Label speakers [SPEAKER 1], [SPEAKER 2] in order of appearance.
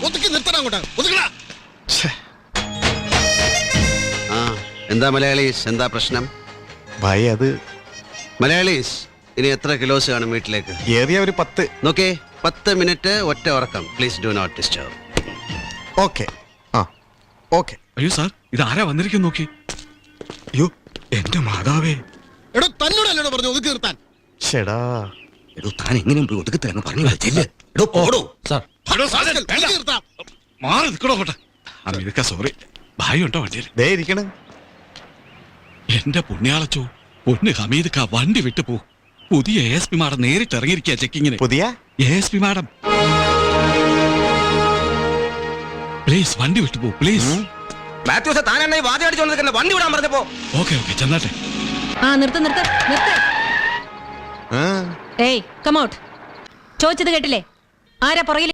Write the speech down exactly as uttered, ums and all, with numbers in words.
[SPEAKER 1] ഒതുക്കി നിർത്തണം അങ്ങോട്ട്. ഒതുക്കടാ.
[SPEAKER 2] ആ എന്താ മലയാളീസ്, എന്താ പ്രശ്നം?
[SPEAKER 3] ഭായി അത്
[SPEAKER 2] മലയാളീസ് ഇനി എത്ര കിലോസ് കാണും വീട്ടിലേക്ക്?
[SPEAKER 3] ഏറിയ ഒരു പത്ത്.
[SPEAKER 2] നോക്കേ, പത്ത് മിനിറ്റ് ഒറ്റ ഉറക്കം. Please do not disturb.
[SPEAKER 3] Okay. ആ ഓക്കെ.
[SPEAKER 4] അയ്യോ സാർ, ഇത് ആരാ വന്നിരിക്കും നോക്കി.
[SPEAKER 3] അയ്യോ എന്റെ മാതാവേ.
[SPEAKER 1] എടോ തന്നോടല്ലോടോ പറഞ്ഞു ഒതുക്കി നിർത്താൻ.
[SPEAKER 3] ഷെടാ
[SPEAKER 5] എടോ താൻ എങ്ങനെയും പോയി ഒതുക്കി തരാന്ന് പറഞ്ഞു ചെല്ല്. എടോ പോടോ.
[SPEAKER 4] സാർ
[SPEAKER 1] ഒതുക്കി നിർത്താം.
[SPEAKER 4] മാറി നിൽക്കണോ അങ്ങോട്ട്. അമീർക്ക സോറി, ഭായി ഉണ്ടോ വണ്ടിയിൽ?
[SPEAKER 3] ദേ ഇരിക്കണ്.
[SPEAKER 4] എന്റെ പുണ്യാളച്ചോ, പൊന്ന് ഹമീദ്ക്ക വണ്ടി വിട്ടു പോ. പുതിയ എ എസ് പി മാഡം നേരിട്ട് ഇറങ്ങിയിരിക്കുക ചെക്കിങ്ങിന്.
[SPEAKER 3] പുതിയ
[SPEAKER 4] A S P madam please വണ്ടി വിട്ടു പോ പ്ലീസ്.
[SPEAKER 5] മാത്യൂസ് താൻ എന്നെ വാതി അടിച്ചോണ്ടിരിക്കുന്ന വണ്ടി വിടാൻ പറഞ്ഞപ്പോ.
[SPEAKER 4] ഓക്കെ ഓക്കെ ചെന്നാട്ടെ.
[SPEAKER 6] ആ നിർത്ത് നിർത്ത് നിർത്ത്.
[SPEAKER 3] ആ
[SPEAKER 6] ഏയ് കം ഔട്ട്. ചോദിച്ചത് കേട്ടില്ലേ? ആരാ പുറകിൽ?